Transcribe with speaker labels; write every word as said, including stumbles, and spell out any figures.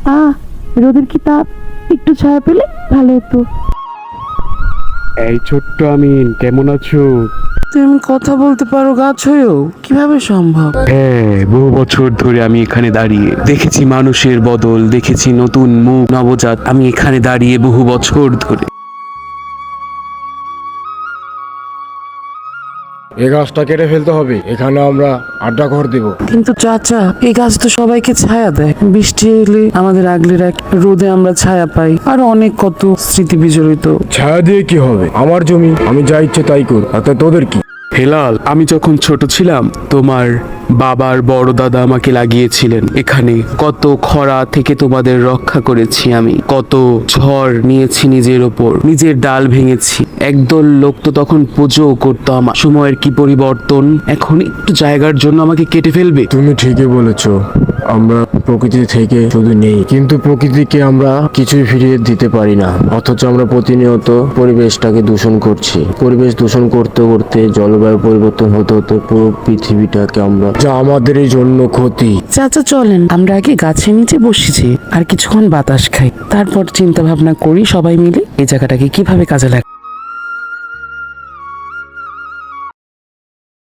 Speaker 1: আহ রোদের কি তাপ, একটু ছায়া পেলে ভালো হতো।
Speaker 2: এই ছোট্ট আমিন, কেমন আছো?
Speaker 3: তুমি কথা বলতে পারো গাছ হয়েও, কিভাবে সম্ভব?
Speaker 2: হ্যাঁ, বহু বছর ধরে আমি এখানে দাঁড়িয়ে দেখেছি মানুষের বদল, দেখেছি নতুন মুখ, নবজাত। আমি এখানে দাঁড়িয়ে বহু বছর ধরে।
Speaker 4: এই গাছটা কেটে ফেলতে হবে, এখানে আমরা আড্ডা ঘর দেব।
Speaker 3: কিন্তু চাচা, এই গাছ তো সবাইকে ছায়া দেয়, বৃষ্টি এলে আমাদের আগলে রাখ, রোদে আমরা ছায়া পাই, আর অনেক কত স্মৃতি বিজড়িত।
Speaker 4: ছায়া দিয়ে কি হবে? আমার জমি, আমি যা ইচ্ছে তাই কর, তাতে তোদের কি?
Speaker 2: হেলাল, আমি যখন ছোট ছিলাম তোমার বাবার বড় দাদা আমাকে লাগিয়েছিলেন এখানে। কত খরা থেকে তোমাদের রক্ষা করেছি আমি, কত ঝড় নিয়েছি নিজের ওপর, নিজের ডাল ভেঙেছি। একদল লোক তো তখন পুজো করতো আমার। সময়ের কি পরিবর্তন, এখন একটু জায়গার জন্য আমাকে কেটে ফেলবে?
Speaker 4: তুমি ঠিকই বলেছ, আমরা প্রকৃতি থেকে শুধু নেই, কিন্তু প্রকৃতিকে আমরা কিছুই ফিরিয়ে দিতে পারি না। অথচ আমরা প্রতিনিয়ত পরিবেশটাকে দূষণ করছি। পরিবেশ দূষণ করতে করতে জলবায়ু পরিবর্তন হতে হতে পুরো পৃথিবীটাকে আমরা, যা আমাদের এই জন্য ক্ষতি।
Speaker 3: চাচা চলেন আমরা আগে গাছের নিচে বসেছি, আর কিছুক্ষণ বাতাস খাই, তারপর চিন্তা ভাবনা করি সবাই মিলে এই জায়গাটাকে কিভাবে কাজে লাগাই।